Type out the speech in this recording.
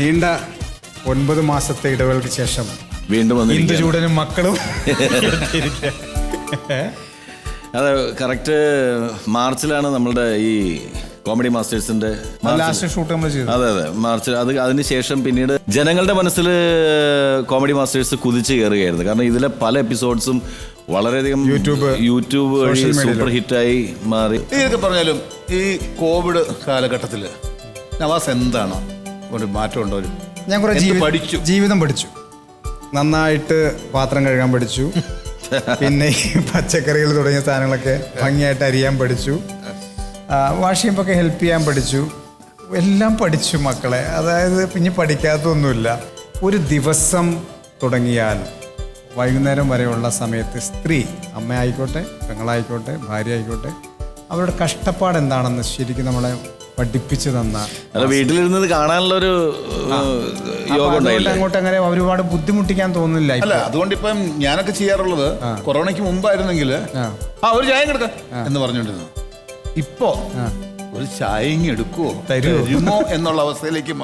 നീണ്ട 9 മാസത്തെ ഇടവേളയ്ക്ക് ശേഷം വീണ്ടും ഇന്ദുചൂടനും മക്കളും അതെ, കറക്റ്റ് മാർച്ചിലാണ് നമ്മളുടെ ഈ കോമഡി മാസ്റ്റേഴ്സിന്റെ ലാസ്റ്റ് ഷൂട്ട് നമ്മൾ ചെയ്തു. അതെ മാർച്ചിൽ. അതിനുശേഷം പിന്നീട് ജനങ്ങളുടെ മനസ്സിൽ കോമഡി മാസ്റ്റേഴ്സ് കുതിച്ചു കയറുകയായിരുന്നു. കാരണം ഇതിലെ പല എപ്പിസോഡ്സും വളരെയധികം യൂട്യൂബ് വഴി സൂപ്പർ ഹിറ്റായി മാറി. ഇതൊക്കെ പറഞ്ഞാലും ഈ കോവിഡ് കാലഘട്ടത്തിൽ നവാസ് എന്താണ് ഒരു മാറ്റം ഉണ്ടോ? ഞാൻ കുറെ ജീവിതം പഠിച്ചു. നന്നായിട്ട് പാത്രം കഴുകാൻ പഠിച്ചു. പിന്നെ ഈ പച്ചക്കറികൾ തുടങ്ങിയ സാധനങ്ങളൊക്കെ ഭംഗിയായിട്ട് അരിയാൻ പഠിച്ചു. വാഷ് ചെയ്യുമ്പോൾ ഹെൽപ്പ് ചെയ്യാൻ പഠിച്ചു. എല്ലാം പഠിച്ചു മക്കളെ. അതായത് പിന്നെ പഠിക്കാത്തതൊന്നുമില്ല. ഒരു ദിവസം തുടങ്ങിയാൽ വൈകുന്നേരം വരെയുള്ള സമയത്ത് സ്ത്രീ, അമ്മയായിക്കോട്ടെ, പെങ്ങളായിക്കോട്ടെ, ഭാര്യ ആയിക്കോട്ടെ, അവരുടെ കഷ്ടപ്പാട് എന്താണെന്ന് ശരിക്കും നമ്മളെ പഠിപ്പിച്ചു തന്ന, വീട്ടിലിരുന്നത് കാണാനുള്ളൊരു യോഗം അങ്ങോട്ട് അങ്ങനെ ഒരുപാട് ബുദ്ധിമുട്ടിക്കാൻ തോന്നുന്നില്ല. അല്ല, അതുകൊണ്ട് ഇപ്പം ഞാനൊക്കെ ചെയ്യാറുള്ളത് കൊറോണയ്ക്ക് മുമ്പായിരുന്നെങ്കിൽ ഒരു ചായ എടുക്കാം എന്ന് പറഞ്ഞോണ്ടിരുന്നു. ഇപ്പോ ഒരു ചായ എടുക്കുവോ തരുമോ എന്നുള്ള അവസ്ഥയിലേക്ക്